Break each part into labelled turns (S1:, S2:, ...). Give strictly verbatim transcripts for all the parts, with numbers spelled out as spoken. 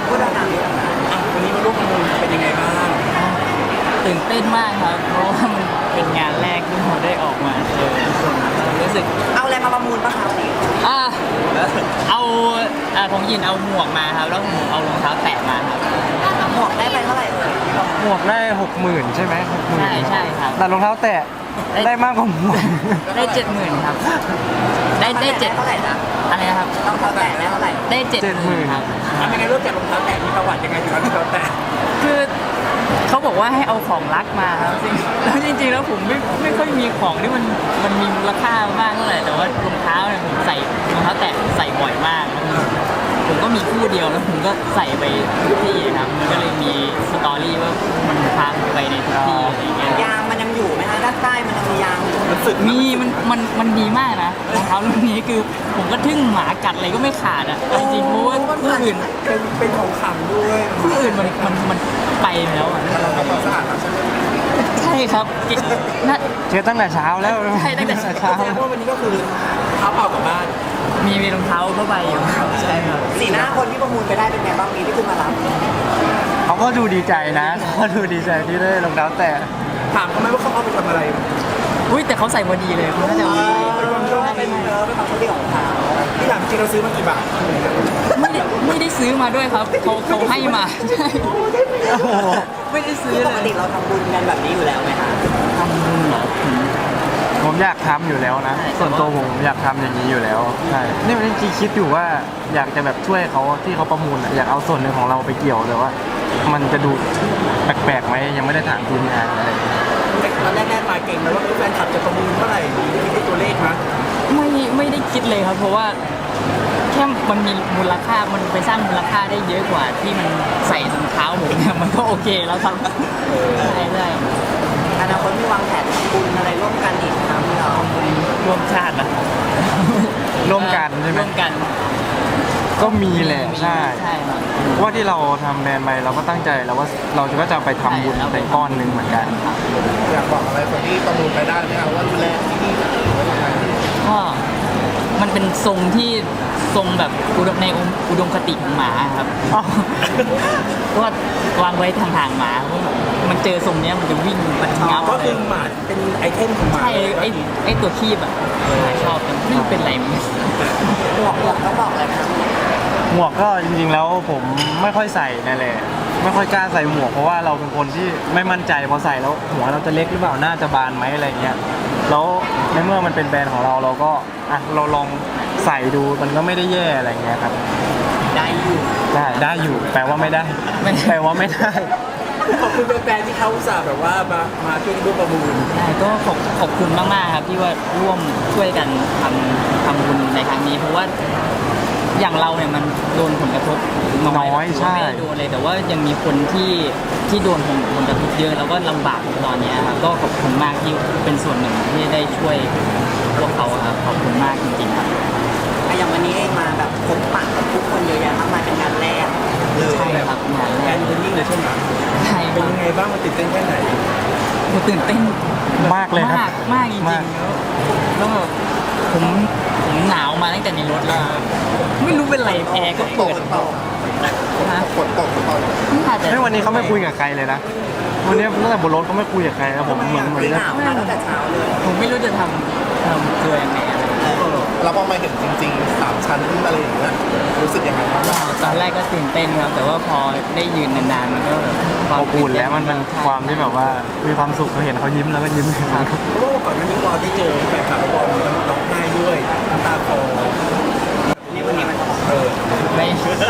S1: พูดต่างๆนี่ต่างๆอ่ะวันนี้มาร่วมประมูลเป็นยังไงบ้าง
S2: ตื่นเต้นมากครับเพราะว่ามันเป็นงานแรกที่เราได้ออกมาเจอทุกคนรู้สึก
S1: เอาอะไรมาประมูลบ้างครับนี่
S2: อ่าเอาอ่าผมยินเอาหมวกมาครับแล้วผมเอารองเท้าแตะมาครับ
S1: หมวกได้ไปเท่าไหร่เลย
S3: หมวกได้หกหมื่นใช่ไหมหกหมื่น
S2: ใช่ใช่ครับ
S3: แต่รองเท้าแตะได้มากกว่าหมวก
S2: ได้เจ็ดหมื่นครับได้ได้เจ็ด
S1: เท่าไหร่นะ
S2: อะไรนะครับ
S1: รองเท้าแตะได้เท่าไหร่
S2: ได้เจ็ดหมื่นครับ
S1: ทำยังไงรู้จักรองเท้าแตะมีประวัติยังไงถึงเอารองเท้าแตะ
S2: คือเขาบอกว่าให้เอาของรักมาครับจริงแล้วจริงๆแล้วผมไม่ไม่ค่อยมีของที่มันมันมีมูลค่ามากเท่าไหร่แต่ว่ารองเท้าเนี่ยผมใส่รองเท้าแตะใส่บ่อยมากผมก็มีคู่เดียวแล้วผมก็ใส่ไปทุกที่ครับมันก็เลยมีสตอรี่ว่ามันพาไปในทุกที่อะไรเงี้ย
S1: ยางมันยังอยู่ไหมฮะด้านใต้มันยังมียางมันสึก
S2: มีมันมันมันดีมากนะรองเท้ารุ่นนี้คือผมก็ทึ่งหมากัดอะไรก็ไม่ขาดอ่ะจริงๆเพราะว่าคู่อื่น
S1: เป็นเป็นของขังด้วย
S2: คู่อื่นมันมันมันไปแล้วอ่ะ
S1: เราทำความสะอาดใช่ไหม
S2: ใช่ครับน่า
S3: เช็ดตั้งแต่เช้าแล้ว
S2: ใช่ตั้งแต่เช้า
S1: แสดงว่าวันนี้ก็คือเท้าเปล่ากลับบ้าน
S2: มีมีรองเท้าผ้าใบอยู่ใช่ครับ
S1: สีหน้าคนที่ประมูลไปได้เป็นไงบ้างมีที่ขึ้นมารับ
S3: เขาก็ดูดีใจนะเขาดูดีใจที่ได้รองเท้าแตะ
S1: ถามเขาไหมว่าเขาเอาไปทำอะไร
S2: อุ้ยแต่เขาใส่พอดีเลยคุณน่าจะเอาไป
S1: เป็นความชอบเป็นเออเป็นความชอบของเขาที่ถามจริงเราซื้อมากี่บาท
S2: ไม่ได้ไม่ได้ซื้อมาด้วยครับเขาเขาให้มาใช่ไม่ได้ซื้อ
S1: ปกติเราทำบุญกันแบบนี้อยู่แล้วไหมคะ
S2: ทำบุญเหรอ
S3: ผมอยากทำอยู่แล้วนะส่วนตัวผมอยากทำอย่างนี้อยู่แล้วใช่นี่มันจริงๆคิดอยู่ว่าอยากจะแบบช่วยเขาที่เขาประมูลอยากเอาส่วนหนึ่งของเราไปเกี่ยวแต่ว่ามันจะดูแปลกๆไหมยังไม่ได้ถามทีมงานอะไร
S1: ตอนแรกๆมาเก่งแล้วว่าแฟนคลับจะประมูลเท่าไหร่คิดได้ตัวเลขมั้ย
S2: ไม่ไม่ได้คิดเลยครับเพราะว่าแค่มันมีมูลค่ามันไปสร้างมูลค่าได้เยอะกว่าที่มันใส่รองเท้าผมเนี่ยมันก็โอเคแล้วครับใช่ใช่
S1: อนาคตมีวางแผนทำบุญอะไรร่วมกันอีกครับพี่เรา
S2: ร่วมชาตินะ
S3: ร่วมกันใช่ไหม
S2: ร่วมกัน
S3: ก็มีแหละใช่
S2: ใช่ครับ
S3: ว่าที่เราทำแบรนด์ไปเราก็ตั้งใจแล้วว่าเราก็จะไปทำบุญในก้อนหนึ่งเหมือนกัน
S1: อยากบอกอะไรคนที่ประมูลไปได้ไหมครับว่าดูแลที่นี่
S2: ก็มันเป็นทรงที่ทรงแบบในอุดมคติของหมาครับก็วางไว้ทางทางหมามันเจอทรงนี้มันจะวิ่งมันงับก็คือหมาเป็นไอเทมของหมาใช่ไอไอตัวคีบอ่ะหมาชอบมันไม่เป็นไรมันหมวกหมวกต้องบอกอะไรนะ
S3: หมวกก็จริงๆแล้วผมไม่ค่อยใส่นั่นแหละไม่ค่อยกล้าใส่หมวกเพราะว่าเราเป็นคนที่ไม่มั่นใจพอใส่แล้วหัวเราจะเล็กหรือเปล่าหน้าจะบานไหมอะไรเงี้ยแล้วในเมื่อมันเป็นแบรนด์ของเราเราก็อ่ะเราลองใส่ดูมันก็ไม่ได้แย่อะไรเงี้ยครับ
S2: ได้อยู่
S3: ได้ได้อยู่แปลว่าไม่ได้แปลว่าไม่ได้
S1: ขอบคุณแฟนๆที่เขาอุตส่าห์แบบว่ามามาช่วยร่วมประมูล
S2: ใช่ก็ขอบขอบคุณมากๆครับที่ว่าร่วมช่วยกันทำทำบุญในครั้งนี้เพราะว่าอย่างเราเนี่ยมันโดนผลกระทบ
S3: น้อยใช่
S2: ไม่ได้โดนเลยแต่ว่ายังมีคนที่ที่โดนผลผลกระทบเยอะแล้วก็ลำบากตอนนี้ครับก็ขอบคุณมากที่เป็นส่วนหนึ่งที่ได้ช่วยพวกเขาครับขอบคุณมากจริงๆครับ
S1: อย่างวันนี้เองมาแบบพบปะกับทุกคนเยอะแยะมากมายเป็นงานแรก
S2: ใช่ครับงานแรก
S1: เป็นยิ่งเลยใช่ไหม
S2: ใช่
S1: เป็นยังไงบ้างมันตื่นเต้นแค่ไหน
S2: มันตื่นเต้น
S3: มากเลยครับ
S2: มากมากจริงๆแล้วแบบผมผมหนาวมาตั้งแต่ในรถแล้วไม่รู้เป็นไรแอร์ก็เปิด
S1: นะฝนตกตอน
S3: ไม่วันนี้เขาไม่คุยกับใครเลยนะวันนี้ตั้งแต่บนรถเขาไม่คุยกับใครแล้วผมเหมือนเหมือน
S1: หนาวมาตั้งแต่เช้าเลย
S2: ผมไม่รู้จะทำทำตัวยังไงอะไร
S1: เราพอมาเห็นจริงๆสามชั้นอะไรอย่างเงี้ยรู้สึกยังไงบ้าง
S2: ตอนแรกก็ตื่นเต้นครับแต่ว่าพอได้ยืนนานๆมันก็แบบ
S3: ความอุ่นแล้วมันเป็นความที่แบบว่ามีความสุขเราเห็นเขายิ้มแล้วก็ยิ้ม
S1: ครับเพราะว่าก่อนหน้านี้เราได้เจอแฟนคลับบอลมันร้องไห้ด้วยน้ำตาคลอนี่วันนี้มันเออ
S2: ไม่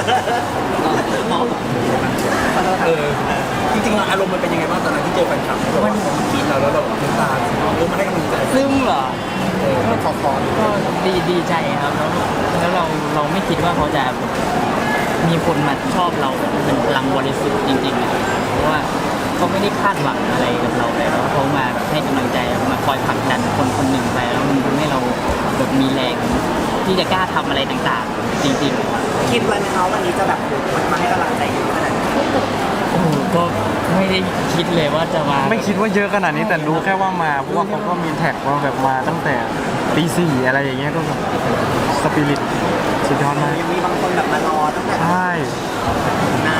S1: เออจริงๆอารมณ์มันเป็นยังไงบ้างตอนนั้นที่เจอแฟนคลับมันคิดเราแล้วเราน้ำตาเออมาให้กำลังใจ
S2: ซึมเหรอ
S1: เออขอพร
S2: ก็ดีดีใจครับแล้วแล้วเราเราไม่คิดว่าเขาจะมีคนมาชอบเราเป็นพลังบริสุทธิ์จริงๆนะเพราะว่าเขาไม่ได้คาดหวังอะไรกับเราเลยแล้วเขามาให้กำลังใจมาคอยผลักดันคนคนหนึ่งไปแล้วมันทำให้เราแบบมีแรงที่จะกล้าทำอะไรต่างๆจริง
S1: ๆคิดไว้ไหมคะวันนี้จะแบบมันมาให้กำลังใจเยอะขนาดนี้
S2: โอ้โหก็ไม่ได้คิดเลยว่าจะมา
S3: ไม่คิดว่าเยอะขนาดนี้แต่รู้แค่ว่ามาเพราะว่าเขาก็มีแท็กว่าแบบมาตั้งแต่ตีสี่อะไรอย่างเงี้ยก็แบบสปิริตสุดยอดมาก
S1: ยังมีบางคนแบบมารอตั้งแต่
S3: ใช่
S1: นาน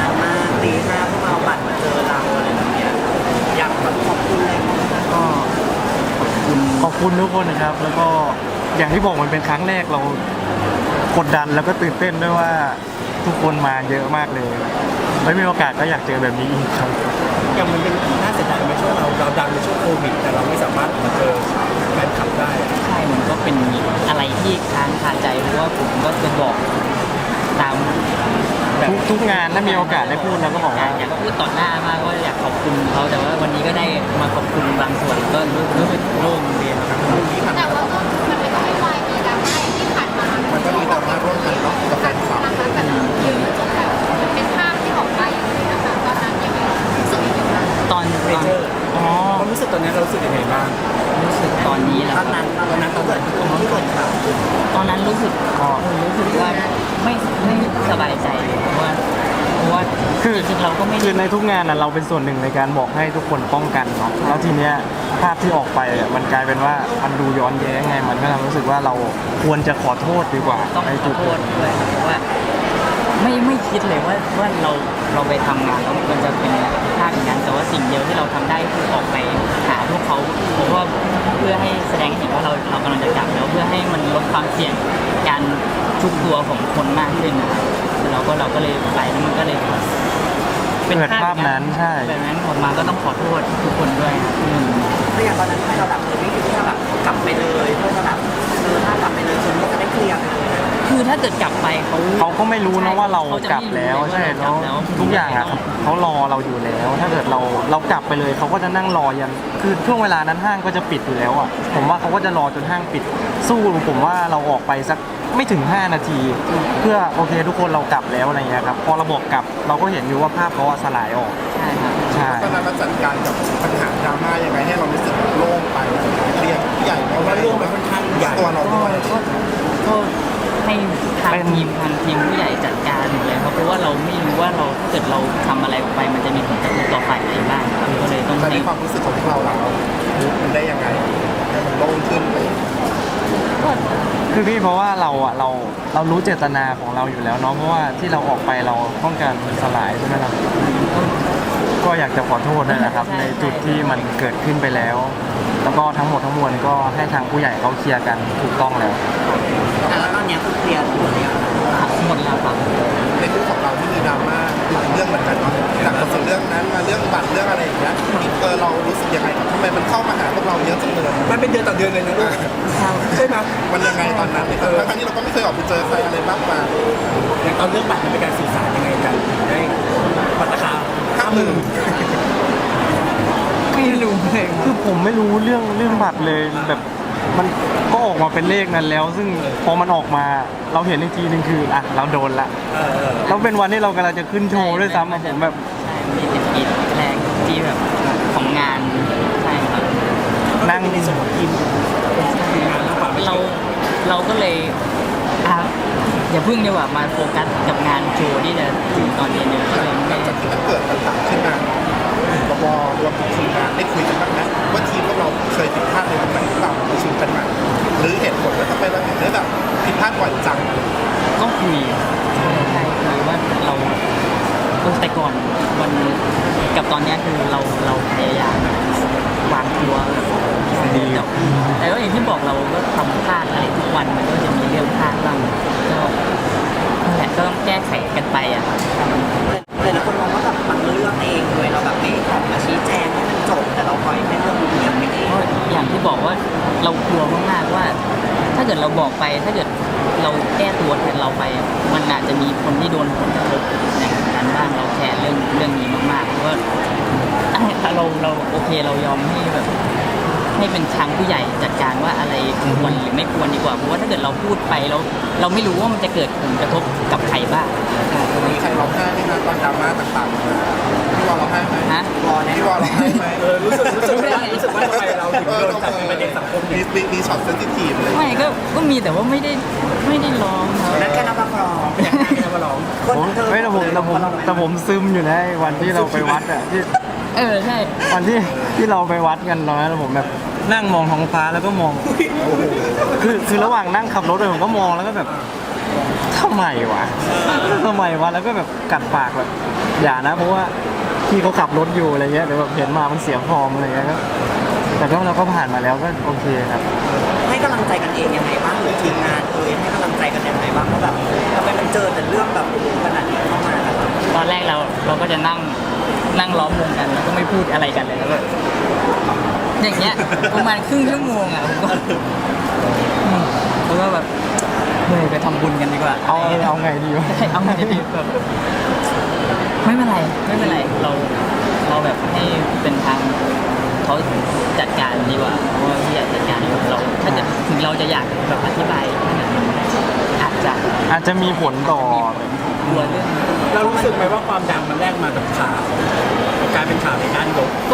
S3: คุณทุกคนนะครับ แล้วก็อย่างที่บอกมันเป็นครั้งแรกเรากดดันแล้วก็ตื่นเต้นด้วยว่าทุกคนมาเยอะมากเลยไม่มีโอกาสก็อยากเจอแบบนี้อีกครับ
S1: อย่างมันเป็นน่าเสียดายไหมช่วงเราเราดังในช่วงโควิดแต่เราไม่สามารถมาเจอแฟนคลับได้อะ
S2: ใช่มันก็เป็นอะไรที่ค้างคาใจเพราะว่าผมก็จะบอกตามแบบ
S3: ทุกทุกงานถ้ามีโอกาสได้พูดเราก็บอกว่า
S2: อยากพูดต่อหน้ามากว่าอยากขอบคุณเขาแต่ว่าวันนี้ก็ได้มาขอบคุณบางส่วนก็รู้รู้สึกโล่งดีครับ
S4: แต่ว่าก็มันก็ไม่วายมีดราม่าอย่างที่ผ่านมา
S1: มันก็มีดราม่าร่วมกันเนาะกับแฟนคลับ
S4: นะคะแบบเยอะจนแบบเป็นภาพที่ออกไปอย่างนี้นะคะตอนนั้นยังไงรู้สึกยังไงบ้าง
S2: ตอน
S1: เม
S2: ตอน
S1: เจอร์
S2: อ๋อ
S1: ความรู้สึกตอนนี้เรารู้สึกยังไงบ้าง
S2: รู้สึกตอนนี้แหละ
S1: ตอนนั้นตอนนั้นตอนนั้นตอนที่เกิดข่าว
S2: ตอนนั้นรู้สึกก็รู้สึกว่าไม่ไม่สบายใจเลยเพราะว่าเพราะว่า
S3: คือ
S2: จริงๆเราก็ไม่
S3: คือในทุกงานน่ะเราเป็นส่วนหนึ่งในการบอกให้ทุกคนป้องกันเนาะแล้วทีเนี้ยภาพที่ออกไปอ่ะมันกลายเป็นว่ามันดูย้อนแย้งไงมันก็ทำให้รู้สึกว่าเราควรจะขอโทษดีกว่า
S2: ต้อง
S3: ใน
S2: ข
S3: จุ
S2: อ
S3: ด
S2: โทษด้วยครับเพราะว่าไม่ไม่คิดเลยว่าว่าเราเราไปทำงานแล้วมันจะเป็นภาพอย่างนั้นแต่ว่าสิ่งเดียวที่เราทำได้คือออกไปหาพวกเขาเพราะว่าเพื่อให้แสดงให้เห็นว่าเราเรากำลังจะกลับแล้วเพื่อให้มันลดความเสี่ยงการชุกตัวของคนมากขึ้นนะครับเราก็เราก็เลยไปแล้วมันก็เลย
S3: เกิดภาพนั้นใช่
S2: แบบนั้นออกมาก็ต้องขอโทษทุกคนด้วยครับอืม
S5: แล้วอย่างตอนนั้นทำไมเราแบบเออไม่คิดที่จะแบบกลับไปเลยเพื่อจะแบบเออถ้ากลับไปเลยคนก็จะได้เคลียร์ไปเลย
S2: คือถ้าเกิดกลับไปเขา
S3: เขาก็ไม่รู้นะว่าเรา
S2: เขาจะ
S3: กลับ
S2: ไม่รู้
S3: แล้ว
S2: เลยว่า
S3: ใช่
S2: เรากลั
S3: แล้ว
S2: บแล้ว
S3: ทุกอย่างอ่ะเขารอเราอยู่แล้ว ถ้าเกิดเราเรากลับไปเลยเขาก็จะนั่งรอยันคือช่วงเวลานั้นห้างก็จะปิดอยู่แล้วอ่ะผมว่าเขาก็จะรอจนห้างปิด สู้ผมว่าเราออกไปสักไม่ถึงห้านาที เพื่อโอเคทุกคนเรากลับแล้วอะไรเงี้ยครับพอเราบอกกลับเราก็เห็นอยู่ว่าภาพเขาอะสลายออก
S2: ใช่ครับ
S3: ใช่
S6: ตอนนั้นเราจัดการกับปัญหาดราม่ายังไงให้เรารู้สึกโล่งไปเคลียร์ผู้ใหญ่
S1: เพราะว่าเรื่องมันค่อนข้างใหญ่
S6: ตัวเรา
S2: ก็
S6: ด้วย
S2: ก็ก็ให้ทางทีมทางทีมผู้ใหญ่จัดการอยู่เลยครับเพราะว่าเราไม่รู้ว่าเราถ้าเกิดเราทำอะไรออกไป มันจะมีผลกระทบต่อฝ่ายไหนบ้างครับก็เลยต้อง
S6: แต่ใน
S2: ให้
S6: ความรู้สึกของพวกเราเรารู้มันได้ยังไงให้มันโล่งขึ้นไป
S3: คือพี่เพราะว่าเราอ่ะเราเรารู้เจตนาของเราอยู่แล้วเนาะเพราะว่าที่เราออกไปเราต้องการมันสลายใช่ไหมครับก็อยากจะขอโทษด้วยนะครับ ในจุดที่มันเกิดขึ้นไปแล้ว แล้วก็ทั้งหมดทั้งมวลก็ให้ทางผู้ใหญ่เขาเคลียร์กันถูกต้องแล้ว
S5: แต่แล้วตอนเนี้ยคือเคลียร์หมดแล้วนะ
S2: หมดแล้วครับ
S6: ในคู่ของเราที่มีดราม่าหลายเรื่องเหมือนกันเนาะจากจากเรื่องนั้นมาเรื่องบัตรเรื่องอะไรอย่างเงี้ยเออเรารู้สึกยังไงกับทำไมมันเข้ามาหาพวกเราเยอะจังเลย
S1: มันเป็นเดือนต่อเดือนเลยนะลูกใช่ไหม
S6: มันยังไงตอนนั้นเนี่ยทั้งที่เราก็ไม่เคยออกไปเจอใครอะไรมากมาย
S1: อย่างตอนเรื่องบัตรมันเป็นการสื่อสารยังไงกันได้บัตรราคาห้าหมื่น
S2: ไม่รู้เลย
S3: คือผมไม่รู้เรื่องเรื่องบัตรเลยแบบมันก็ออกมาเป็นเลขนั้นแล้ว ซึ่งพอมันออกมาเราเห็นอีกทีหนึงคืออ่ะเราโดนละแล้วเป็นวันที่เรากำลังจะขึ้นโชว์ด้วยซ้ำอะผมแบบ
S2: ใช่มีติดกีดแรกที่แบบของงานใช่ครับ
S3: นั่ง
S1: ในส่วนของทีมทีมงานมากกว่าไม่
S2: เรา
S1: ใช่
S2: เราก็เลยอ่ะอย่าพึ่งดีกว่ามาโฟกัสกับงานโชว์ที่จะถึงตอนเย็นเลยก็เลย
S6: หลั
S2: ไม่
S6: งจากที่มันเกิดปัญหาขึ้นมาบกรวมถึงทีมงานได้คุยกันบ้างนะว่าทีมพวกเราเคยผิดพลาดในตรงไหนหรือเปล่าประชุมกันมาหรือเหตุผลว่าทำไมเราถึงได้แบบผิดพลาดบ่อยจัง
S2: ก็คุยใช่คุยว่าเราเออแต่ก่อนวันกับตอนเนี้ยคือเราเราพยายามวางตัวแบบ
S3: ดี
S2: แต่แต่ก็อย่างที่บอกเราก็ทำพลาดอะไรทุกวันมันก็จะมีเรื่องพลาดบ้างก็นั่นแหละก็ต้องแก้ไขกันไปอ่ะครับ
S5: เลยแล้วคนมองว่าแบบมันเลือกเองเลยเราแบบไม่ออกมาชี้แจงให้มันจบแต่เราปล่อยให้เรื่องมันเงียบไปเอง
S2: เพราะอย่างที่บอกว่าเรากลัวมากๆว่า ถ้าเกิดเราบอกไป ถ้าเกิดเราแก้ตัวแทนเราไป มันอาจจะมีคนที่โดนผลกระทบอย่างนั้นบ้างเราแคร์เรื่องเรื่องนี้มากๆเพราะว่าถ้าเราเราโอเคเรายอมให้แบบ ให้เป็นทางผู้ใหญ่จัดการว่าอะไรควรหรือไม่ควรดีกว่าเพราะว่าถ้าเกิดเราพูดไปแล้วเราไม่รู้ว่ามันจะเกิดผลกระทบกับใครบ้าง
S6: มีใครร้องไห้ไหมคะตอนดราม่าต่างๆมาพี่วอลร้องไห้ไหม
S2: ฮะ
S5: รอแน่
S6: พี่วอลร้องไห้ไหม
S1: เออรู้สึกรู้สึกว่ารู้สึกว่าทำไมเราถึงโดนจับเป็นประเด็นสังคม
S6: มี
S1: นี้
S6: มีมีช็อตเซนซิทีฟเลย
S2: ไม่ก็ก็มีแต่ว่าไม่ได้ไม่ได้ร้องครับ
S5: นั่นแค่นับประคอง
S1: อยากให้แค่มาร้อง
S5: คน
S3: ผม
S5: เธอ
S3: ไม่แต่ผมแต่ผมแต่ผมซึมอยู่นะไอ้วันที่เราไปวัดอ่ะที่
S2: เออใช่
S3: วันที่ที่เราไปวัดกันตอนนั้นผมแบบนั่งมองท้องฟ้าแล้วก็มองคือคือระหว่างนั่งขับรถเลยผมก็มองแล้วก็แบบทำไมวะทำไมวะแล้วก็แบบกัดปากแบบอย่านะ เพราะว่าพี่เขาขับรถอยู่อะไรเงี้ยเดี๋ยวแบบเห็นมามันเสียฟอร์มอะไรเงี้ยก็แต่ก็เราก็ผ่านมาแล้วก็โอเคครับ
S5: ให้กำลังใจกันเองยังไงบ้างหรือทีมงานเอ่ยให้กำลังใจกันยังไงบ้างเพราะแบบทำไมมันเจอแต่เรื่องแบบขนาดนี้เข้ามากัน
S2: ตอนแรกเราเราก็จะนั่งนั่งล้อมวงกันแล้วก็ไม่พูดอะไรกันเลยแล้วก็อย่างเงี้ยประมาณครึ่งชั่วโมงอ่ะผมก็อืมแล้วก็แบบเฮ้ยไปทำบุญกันดีกว่า
S3: เอาเอาไงดีวะ
S2: ใช่เอาไงดีแบบไม่เป็นไรไม่เป็นไรเราเราแบบให้เป็นทางเขาจัดการดีกว่าเพราะว่าที่อยากจัดการเราถ้าจะถึงเราจะอยากแบบอธิบายแค่นั้นอาจจะ
S3: อาจจะมีผลต่อ
S2: กลัวเรื่อง
S1: เรารู้สึกไหมว่าความดังมันแลกมากับข่าวกลายเป็นข่าวในด้านลบ
S2: ก็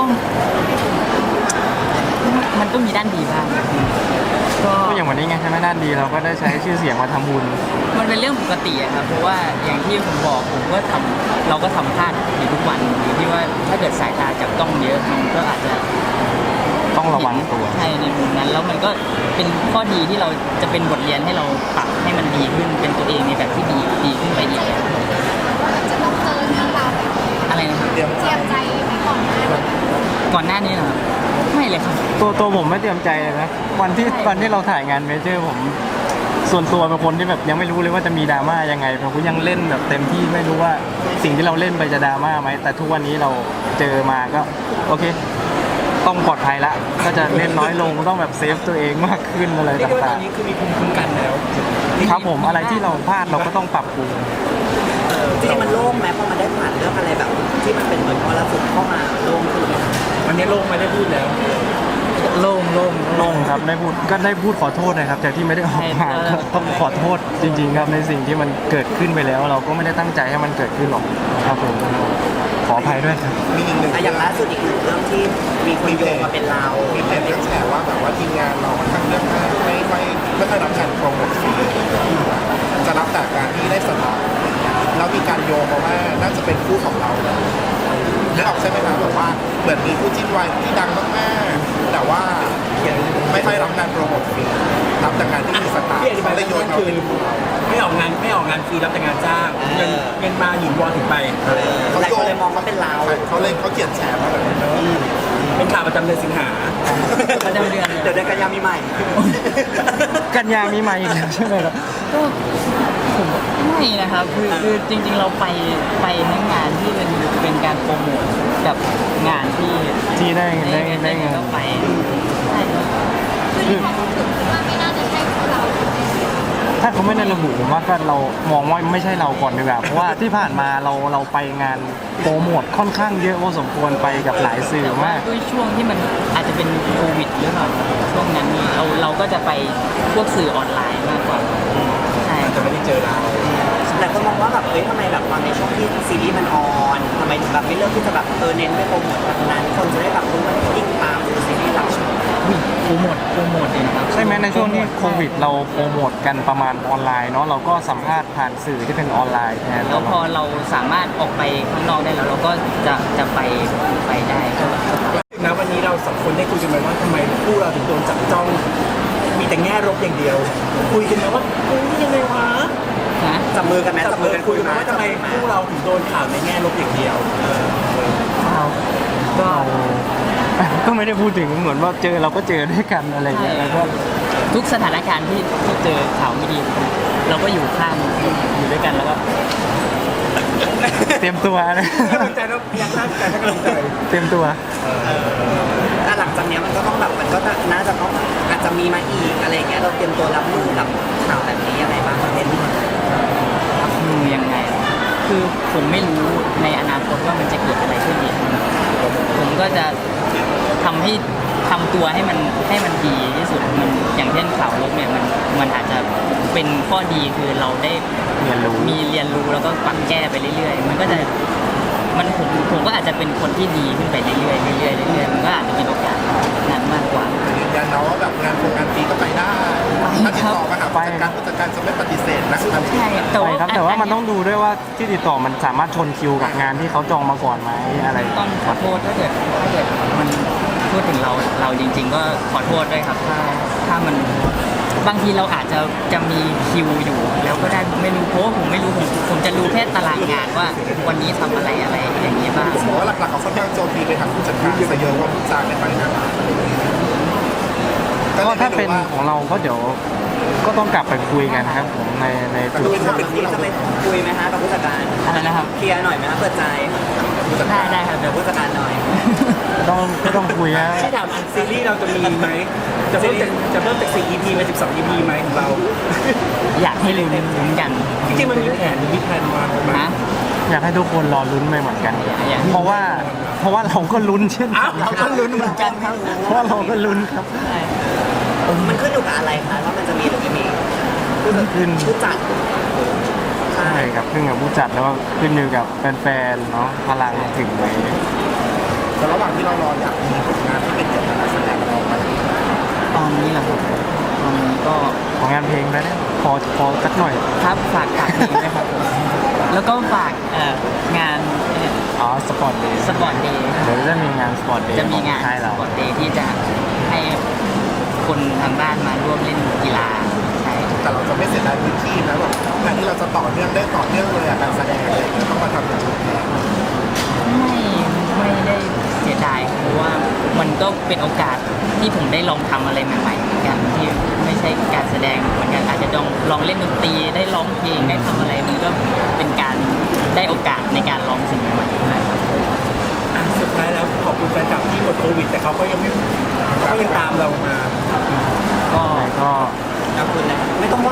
S2: มันก็มีด้านดีบ้างก็
S3: ก็อย่างวันนี้ไงใช่ไหมด้านดีเราก็ได้ใช้ชื่อเสียงมาทำบุญ
S2: มันเป็นเรื่องปกติอะครับเพราะว่าอย่างที่ผมบอกผมก็ทำเราก็ทำพลาดอยู่ทุกวันอยู่ที่ว่าถ้าเกิดสายตาจับต้องเยอะมันก็อาจจะ
S3: ต้องระวังตัว
S2: ใช่ในมุมนั้นแล้วมันก็เป็นข้อดีที่เราจะเป็นบทเรียนให้เราปรับให้มันดีขึ้นเป็นตัวเองในแบบที่ดีดีขึ้นไปอีก
S4: จะต้องเจอเรื่องราวแบบนี้
S2: อะไรนะครับ
S6: เตรียม
S4: เตรียมใจไว้ก่อนหน้านี้
S2: ก่อนหน้านี้นะครับไม่เลยครับ
S3: ตัวตัวผมไม่เตรียมใจเลยนะวันที่
S2: ใช่
S3: วันที่เราถ่ายงานเมเจอร์ผมส่วนตัวเป็นคนที่แบบยังไม่รู้เลยว่าจะมีดราม่ายังไงผมก็ยังเล่นแบบเต็มที่ไม่รู้ว่าสิ่งที่เราเล่นไปจะดราม่าไหมแต่ทุกวันนี้เราเจอมาก็โอเค ต้องปลอดภัยละก็จะเล่นน้อยลงต้องแบบเซฟตัวเองมากขึ้นอะไร
S1: เรียกได้ว่าต
S3: ต่า
S1: อง นนี้คือมีภูมิคุ้มกันแล้ว
S3: ๆครับผมอะไรที่เราพลาดเราก็ต้องปรับปรุง
S5: จริงๆมันโล่งไหมพอมันได้ผ่านเรื่องอะไรแบบที่มันเป็นเหมือนมรสุมเข้ามาโล่งขึ้นไหม
S1: วันนี้โลกไม่ได้พูดแล้ว
S2: โล่งโล่ง
S3: ลงครับได้พูดก็ได้พูดขอโทษนะครับจากที่ไม่ได้ออกมา
S2: ใช่
S3: ก็ต้องขอโทษจริงๆครับในสิ่งที่มันเกิดขึ้นไปแล้ว เราก็ไม่ได้ตั้งใจให้มันเกิดขึ้นหรอกครับผมขออภัยด้วยครับ
S6: มีอีกหนึ่ง
S5: อะอย่างล่าสุดอีกหนึ่งเรื่องที่มีคนโยงมาเป็นเรา
S6: มีเพจเรื่องแชร์ว่าแบบว่าทีมงานเราค่อนข้างเรื่องมากไม่ค่อยไม่ค่อยรับการโปรโมทฟรีจะรับแต่การที่ได้สตาร์แล้วมีการโยงมาว่าน่าจะเป็นคู่ของเราเลยนึกออกใช่ไหมครับแบบว่าเหมือนมีคู่จิ้นวายที่ดังมากๆแต่ว่าไม่ค่อยรับการโปรโมทฟรีรับแต่การที่มีสตาร์
S1: พี่อธิบาย
S6: ได้โยนมา
S1: คือ
S6: เป็นคู่เรา
S1: ไม่ออกงานไม่ออกงานฟรีรับแต่งานจ้างเงินเงินมาหยินวอนถึงไป
S5: หลายคนเลยมองว่าเป็นเรา
S6: เขาเลยเขาเขียนแชร์มาแบบนี้
S1: เป็นข่าวประจำเดือนสิงหา
S2: ประจำเดือน
S5: เดี๋ยวเดือนกันยามีใหม่
S3: กันยามีมาอีกแล้วใช่ไหมครับ
S2: ก็ผมไม่นะครับคือคือจริง ๆ เราไปไปทั้งงานที่เป็นเป็นการโปรโมทกับงานที่
S3: ที่ได้ได้ได้เงิน
S2: ก็ไปใช่ครับ
S4: คือความรู้สึกว่าไม่น่าจะใช่ของเรา
S3: ถ้าเขาไม่ได้ระบุผมว่าก็เรามองว่าไม่ใช่เราก่อนดีกว่าเพราะว่าที่ผ่านมาเราเราไปงานโปรโมทค่อนข้างเยอะพอสมควรไปกับหลายสื่อ
S2: แต่ว่าม
S3: าก
S2: ด้วยช่วงที่มันอาจจะเป็นโควิดหรือเปล่าช่วงนั้นเราเราก็จะไปพวกสื่อออนไลน์มากกว่าใช่
S1: จะไม่ได้เจอเรา
S5: แต่คนมองว่าแบบเอ้ยทำไมแบบตอนในช่วงที่ซีรีส์มันออนทำไมถึงแบบไม่เลือกที่จะแบบเออเน้นไปโปรโมทแบบนั้นคนจะได้แบบรู้ว่ายิ่งตามดูซีรีส์เรา
S2: อุ๊ยโปรโมทโปรโมทเองครับ
S3: ใช่ไหมในช่วงที่โควิดเราโปรโมทกันประมาณออนไลน์เนาะเราก็สัมภาษณ์ผ่านสื่อที่เป็นออนไลน์แทน
S2: แล้วพอเราสามารถออกไปข้างนอกได้แล้วเราก็จะจะไปไปได้ก็ก็ไป
S1: นะวันนี้เราสองคนได้คุยกันไหมว่าทำไมคู่เราถึงโดนจับจ้อง มีแต่แง่ลบอย่างเดียว คุยกันไหมว่าเฮ้ยยังไงวะ
S2: นะ
S5: จับมือกันไหม
S1: จั
S5: จั
S1: บบ มื
S5: มื
S1: อ
S5: อ
S1: กั
S5: กัน น
S1: คุ
S5: คุ
S1: ย
S5: ย
S1: กันไหม
S5: มา
S1: ว่าทำไมคู่เราถึงโดนข่าวในแง่ลบอย่างเดียว
S2: เราก็
S3: ก็ไม่ได้พูดถึงเหมือนว่าเจอเราก็เจอด้วยกันอะไรอย่างเงี้ยแล้วก็
S2: ทุกสถานการณ์ที่ที่เจอข่าวไม่ดี เราก็อยู่ข้างอยู่ด้วยกันแล้วก็
S3: เตรียมตัวนะ
S1: กำลังใจเราพยักหน้ากันให้กำลังใจ
S3: เตรียมตัว
S5: แต่หลังจากเนี้ยมันก็ต้องแบบมันก็น่าจะต้องอาจจะมีมาอีกอะไรอย่างเงี้ยเราเตรียมตัวรับมือกับข่าวแบบนี้ยังไงบ้างประเด็น
S2: รับมือยังไง คือผมไม่รู้ในอนาคตว่ามันจะเกิดอะไรขึ้นอีกผมก็จะทำให้ทำตัวให้มันให้มันดีที่สุดมันอย่างเช่นข่าวลบเนี่ยมันมันอาจจะเป็นข้อดีคือเราได้
S3: เรียนรู้
S2: มีเรียนรู้แล้วก็ปรับแก้ไปเรื่อยๆ มันก็จะมันผมผมก็อาจจะเป็นคนที่ดีขึ้นไปเรื่อยๆเรื่อยๆเรื่อยๆมันก็อาจจะมีโอกาสนั้นมากกว่า
S6: ยืนยันนะว่าแบบงานโครงงานฟรีก็ไปได้ถ้าติดต่อมาหาผู้จัดการผู้จัดการจะไม่ปฏิเสธนะ
S2: ใช่แต่
S3: ไป
S2: ว่า
S3: ครับแต่ว่ามันต้องดูด้วยว่าที่ติดต่อมันสามารถชนคิวกับงานที่เขาจองมาก่อนไหมอะไร
S2: ต้องขอโทษถ้าเกิดถ้าเกิดมันพูดถึงเราเราจริง ๆ ก็ขอโทษด้วยครับ ถ้าถ้ามันบางทีเราอาจจะจะมีคิวอยู่ แล้วก็ได้ไม่รู้เพราะว่าผมไม่รู้ผมผมจะรู้แค่ตารางงานว่าวันนี้ทำอะไรอะไรอย่างนี้บ้าง
S6: ผมว่าหลักๆเขาค่อนข้างโจมตีไปทางผู้จัดการซะเยอะว่าผู้จ้างไม่ไปนะก็
S3: ก็
S6: เลย
S3: ถ้า
S6: ไม่
S3: เป็น
S6: รู้ว่า
S3: ของเราก็เดี๋ยวก็ต้องกลับไปคุยกันครับผมในในจุด
S5: ทำแบบนี้จะไปคุยไหมฮะกับผู้จัดการ
S2: อะไรนะครับ
S5: เคลียร์หน่อยไหมฮะเปิดใจ
S6: ผู้จัด
S2: ได้
S6: การ
S2: ได้ครับ
S5: เดี๋ยวผู้จัดการหน่อย
S3: ต้องก็ต้องคุยนะ
S1: ที่ถามอันซีรีส์เราจะมีไหมจะเพิ่มจากจะเพิ่มจากสี่ อี พีเป็นสิบสอง อี พีไหมของเรา
S2: อยากให้ลืมลุ้นกัน
S1: จริงๆมันมีแผนมีแผนวางไว้ไหม
S2: นะ
S3: อยากให้ทุกคนรอลุ้นไปเหมือนกัน
S2: อยาก
S3: เพราะว่าเพราะว่าเราก็ลุ้นเช่น
S1: อ้า
S3: กั
S1: วน เราก็ลุ้นเหมือนกันครับ
S3: เพราะว่าเราก็ลุ้นครับ
S2: ใช่
S5: มันขึ้นอยู่กับอะไรคะว่ามันจะมีหรือไม่มีผู้จัด
S3: ขึ้น
S5: ผู้จัดใช่
S3: ใช่ครับขึ้นกับผู้จัดแล้วก็ขึ้นอยู่กับแฟนๆเนาะพลังถึงไหม
S6: แต่ระหว่างที่เรารออยากมีผลงานที่เป็นเกี่ยวกับการแสดงเราไหม
S2: ตอนนี้แหละครับตอนนี้ก็
S3: ของงานเพลงแล้วเนี่ยพอพอสักหน่อย
S2: ครับฝากฝากเพลงนะครับผมแล้วก็ฝากเอ่องาน
S3: อ๋อสปอร์ตเดย์
S2: สปอร์ตเดย์
S3: เดี๋ยวจะมีงานสปอร์ตเดย์
S2: จะมีงาน
S3: ใช่
S2: ส
S3: เรา
S2: ปอร์ตเดย์ที่จะให้คนทางบ้านมาร่วมเล่นกีฬาใช่
S6: แต่เราจะไม่เสียดายพื้นที่นะแบบงานที่เราจะต่อเนื่องได้ต่อเนื่องเลยอะการแสดงอะไรอย่างเงี้ยต้องมาทำอย่างนี้
S2: ไม่ไม่ได้เสียดายเพราะว่ามันก็เป็นโอกาสที่ผมได้ลองทำอะไรใหม่ๆเหมือนกันที่ไม่ใช่การแสดงเหมือนกันอาจจะลองลองเล่นดนตรีได้ร้องเพลงได้ทำอะไรมันก็เป็นการได้โอกาสในการลองสิ่งใหม่ๆนะครับ
S1: อ่ะสุดท้ายแล้วขอบคุณแฟนคลับที่หมดโควิด แต่เขาก็ยังไม่เขาก็ยังตามเรามา
S2: ก็
S3: ก็
S5: ขอบคุณนะไม่ต้องไหว้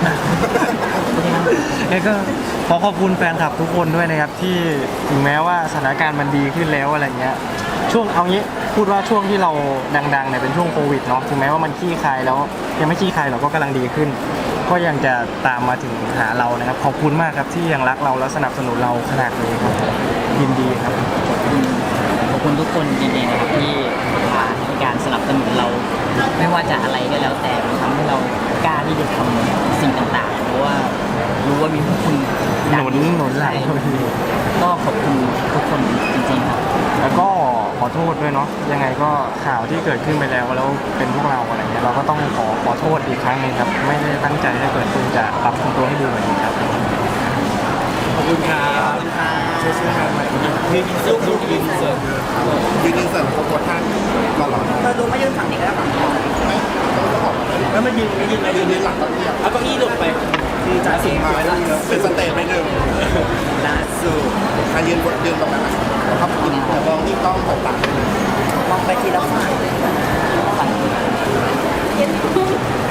S3: แล้วก็ขอขอบคุณแฟนคลับทุกคนด้วยนะครับที่ถึงแม้ว่าสถานการณ์มันดีขึ้นแล้วอะไรเงี้ยช่วงเอางี้พูดว่าช่วงที่เราดังๆเนี่ยเป็นช่วงโควิดเนาะถึงแม้ว่ามันขี้คายแล้วยังไม่ขี้คายเราก็กำลังดีขึ้น ก็ยังจะตามมาถึงหาเรานะครับขอบคุณมากครับที่ยังรักเราและสนับสนุนเราขนาดนี้ครับยินดีครับ
S2: ขอบคุณทุกคนจริงๆนะครับที่มาในการสนับสนุนเรา ไม่ว่าจะอะไรก็แล้วแต่มันทำให้เรากล้าที่จะทำสิ่งต่างๆเพราะว่ารู้ว่ามีพวกคุณ
S3: หนุนหนุนหลัง
S2: ใช่ก็ขอบคุณทุกคนจริงๆครับ
S3: แล้วก็ขอโทษด้วยเนาะยังไงก็ข่าวที่เกิดขึ้นไปแล้วแล้วเป็นพวกเราอะไรเงี้ยเราก็ต้องขอขอโทษอีกครั้งหนึงครับไม่ได้ตั้งใจให้เกิดขึ้นจะปรับปรุงตัวให้ดีกว่านี้ครับ
S1: ขอบคุณครับ
S5: ขอบคุณค่ะ
S1: ช่วยช่วยงานใหม่ยืนลูกลูกยืนเสิร์ฟ
S6: ยืนอินเสิร์ตเขาโพสท่านตลอด
S5: เราดูไม่ยืนฝั่งนี้ก็ได้ฝั่งนี้
S6: ไม่ต้องต้องบอกเลย
S1: แล้วมายืนมายืนมายื
S6: ยื
S1: น
S6: นยืนหลังก็เทียบ
S1: เอาเก้าอี้หลบไป
S5: คือจะเสียง
S6: มา
S5: ไว้ละ
S6: เป็นสเตจไม่หนึ่ง
S5: ล่าสุด
S6: มายืนบนยืนตรงนั้นนะแล้วครับคุณแต่มองที่ต้องตกต่าง
S5: มองไปทีละฝั่ง
S2: ฝั่ง